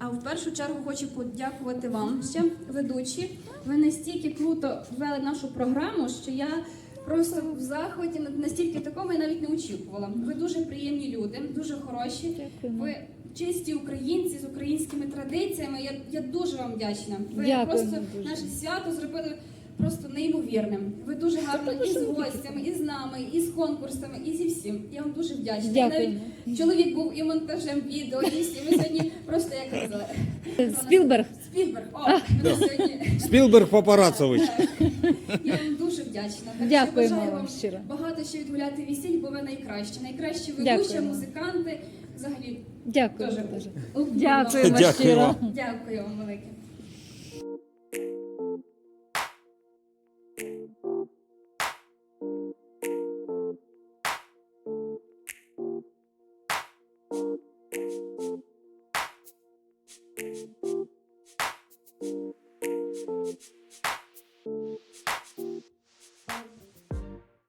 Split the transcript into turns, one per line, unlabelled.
А в першу чергу хочу подякувати вам ще, ведучі. Ви настільки круто ввели нашу програму, що я просто в захваті, настільки такого я навіть не очікувала. Ви дуже приємні люди, дуже хороші. Ви чисті українці з українськими традиціями. Я дуже вам вдячна. Ви просто наше свято зробили просто неймовірним. Ви дуже гарно і з гостями, і з нами, і з конкурсами, і зі всім. Я вам дуже вдячна.
Дякую.
Навіть чоловік був і монтажем відео, і всім. Ми сьогодні просто, як казали.
Спілберг.
Спілберг. О, ми сьогодні.
Спілберг Папарацович.
Я вам дуже вдячна. Так
Дякуємо
що бажаю
вам щиро.
багато ще відгуляти весіль, бо ви найкращі. Найкращі ведучі,
Дякуємо.
музиканти. Взагалі,
Дякую.
дуже.
Дякуємо
Дякую
щиро.
вам.
Дякую вам велике.
Thank you.